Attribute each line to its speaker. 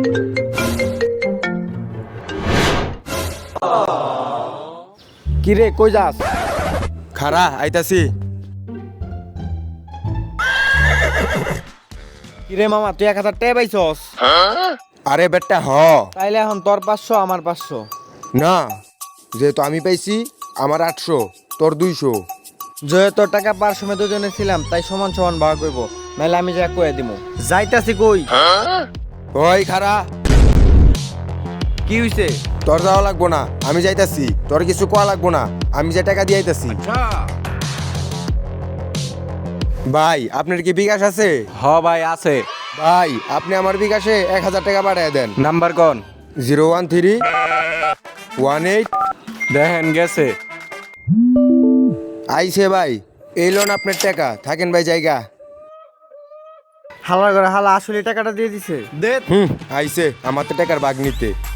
Speaker 1: কি রে কই যাস?
Speaker 2: খারা আইতাছি।
Speaker 1: কি রে মামা তুই 1000 টাকা পাইছস?
Speaker 2: আরে বেটা
Speaker 1: তাইলে এখন তোর 500 আমার 500।
Speaker 2: না, যেহেতু আমি পাইছি আমার 800, তোর 200।
Speaker 1: যেহেতু তোর টাকা পার সময় দুজনে ছিলাম তাই সমান সমান ভাগ করব, নাইলে আমি যা কয়ে দিমু। যাইতাছি কই?
Speaker 2: ওই খারা,
Speaker 1: কি হইছে?
Speaker 2: তোর যাওয়া লাগবো না, আমি যাইতাছি। তোর কিছু কোয়া লাগবো না, আমি যে টাকা দিয়ে আইতাছি। ভাই আপনার কি বিকাশ আছে?
Speaker 3: হ ভাই আছে।
Speaker 2: ভাই আপনি আমার বিকাশে 1000 টাকা পাঠিয়ে দেন।
Speaker 3: নাম্বার কোন?
Speaker 2: 01318।
Speaker 3: দেখেন গেছে।
Speaker 2: আইছে ভাই, এই লোন আপনার টাকা, থাকেন ভাই জায়গা।
Speaker 1: হালা করে হালা আসলে টাকাটা দিয়ে দিছে। দে।
Speaker 2: আইছে আমার তো টাকার ভাগ নিতে।